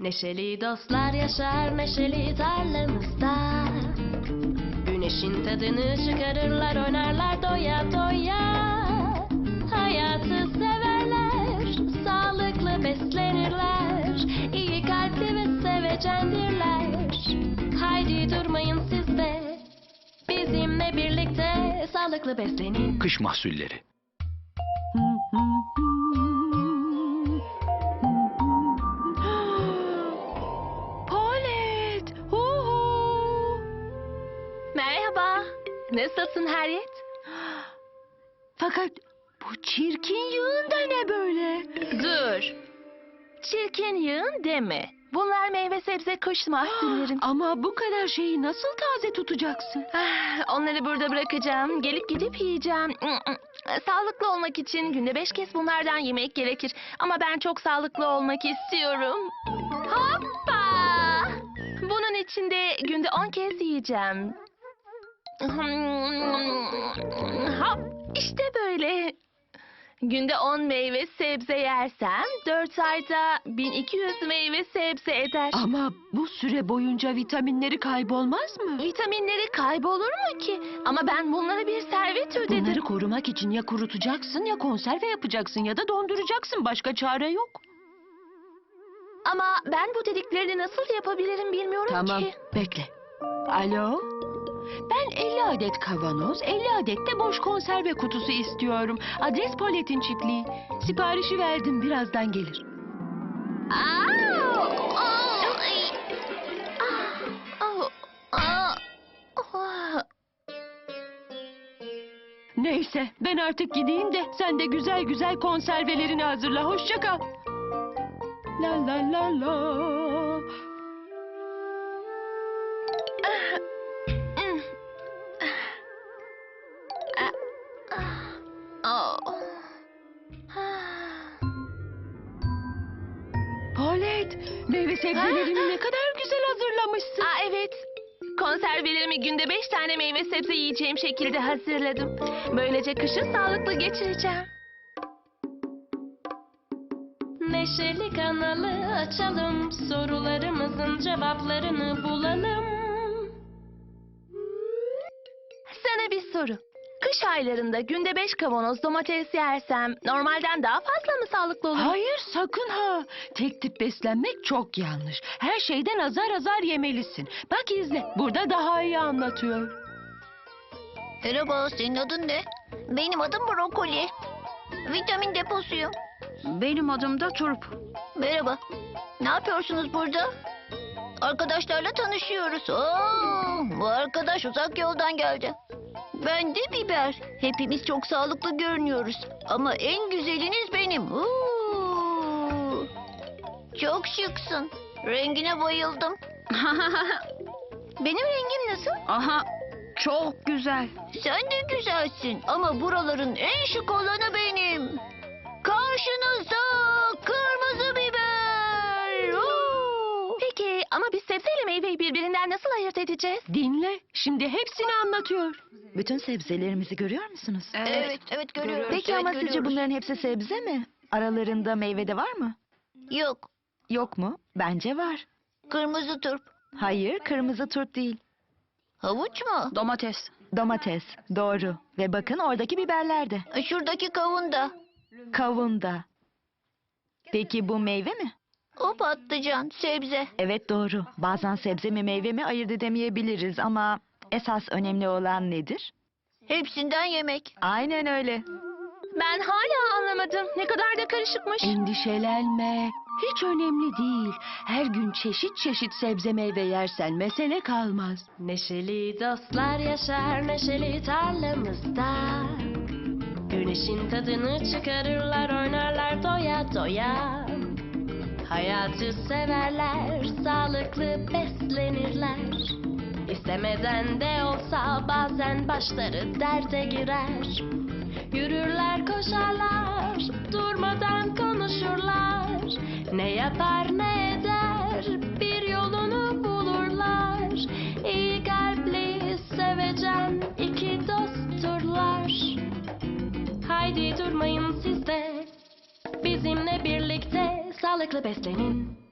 Neşeli dostlar yaşar neşeli tarlamızda. Güneşin tadını çıkarırlar, oynarlar doya doya. Hayatı severler, sağlıklı beslenirler. İyi kalpli ve sevecendirler. Haydi durmayın siz de, bizimle birlikte sağlıklı beslenin. Kış mahsulleri. Palet! Merhaba, nasılsın Harriet? Fakat bu çirkin yığın da ne böyle? Dur. Çirkin yığın deme. Bunlar meyve sebze kış mahsullerim. Ama bu kadar şeyi nasıl taze tutacaksın? Onları burada bırakacağım. Gelip gidip yiyeceğim. Sağlıklı olmak için günde 5 kez bunlardan yemek gerekir. Ama ben çok sağlıklı olmak istiyorum. Hoppa! Bunun için de günde 10 kez yiyeceğim. Hop! İşte böyle. Günde 10 meyve sebze yersem 4 ayda 1200 meyve sebze eder. Ama bu süre boyunca vitaminleri kaybolmaz mı? Vitaminleri kaybolur mu ki? Ama ben bunlara bir servet ödedim. Bunları korumak için ya kurutacaksın ya konserve yapacaksın ya da donduracaksın. Başka çare yok. Ama ben bu dediklerini nasıl yapabilirim bilmiyorum Tamam, ki. bekle. Alo? Ben 50 adet kavanoz, 50 adet de boş konserve kutusu istiyorum. Adres Palet'in çiftliği. Siparişi verdim, birazdan gelir. Neyse, ben artık gideyim de sen de güzel güzel konservelerini hazırla. Hoşça kal. La la la la. Palet, meyve sebzelerini ne kadar güzel hazırlamışsın. Evet. Konservelerimi günde 5 tane meyve sebze yiyeceğim şekilde hazırladım. Böylece kışı sağlıklı geçireceğim. Neşeli kanalı açalım, sorularımızın cevaplarını bulalım. Sana bir soru. Kış aylarında günde 5 kavanoz domates yersem normalden daha fazla mı sağlıklı olur? Hayır, sakın ha. Tek tip beslenmek çok yanlış. Her şeyden azar azar yemelisin. Bak izle, burada daha iyi anlatıyor. Merhaba, senin adın ne? Benim adım Brokoli. Vitamin deposuyum. Benim adım da Turp. Merhaba. Ne yapıyorsunuz burada? Arkadaşlarla tanışıyoruz. Oo, bu arkadaş uzak yoldan geldi. Ben de Biber. Hepimiz çok sağlıklı görünüyoruz. Ama en güzeliniz benim. Oo, çok şıksın. Rengine bayıldım. Benim rengim nasıl? Aha, çok güzel. Sen de güzelsin ama buraların en şık olanı benim. Karşınızda kırmızı biber. Oo! Peki ama biz sebzeyle meyveyi birbirinden nasıl ayırt edeceğiz? Dinle, şimdi hepsini anlatıyor. Bütün sebzelerimizi görüyor musunuz? Evet görüyorum. Peki Evet, ama sizce görüyoruz. bunların hepsi sebze mi? Aralarında meyve de var mı? Yok. Yok mu? Bence var. Kırmızı turp. Hayır, kırmızı turp değil. Havuç mu? Domates. Domates, doğru. Ve bakın oradaki biberler de. Şuradaki kavun da. Kavun da. Peki bu meyve mi? O patlıcan, sebze. Evet doğru. Bazen sebze mi meyve mi ayırt edemeyebiliriz ama esas önemli olan nedir? Hepsinden yemek. Aynen öyle. Ben hala anlamadım. Ne kadar da karışıkmış. Endişelenme. Hiç önemli değil. Her gün çeşit çeşit sebze meyve yersen mesele kalmaz. Neşeli dostlar yaşar neşeli tarlamızda. Güneşin tadını çıkarırlar, oynarlar doya doya. Hayatı severler, sağlıklı beslenirler. İstemeden de olsa bazen başları derde girer. Yürürler, koşarlar, durmadan konuşurlar. Ne yapar ne eder, bir yolunu bulurlar. İyi kalpli, sevecen iki dostturlar. Haydi durmayın siz de, bizimle birlikte sağlıklı beslenin.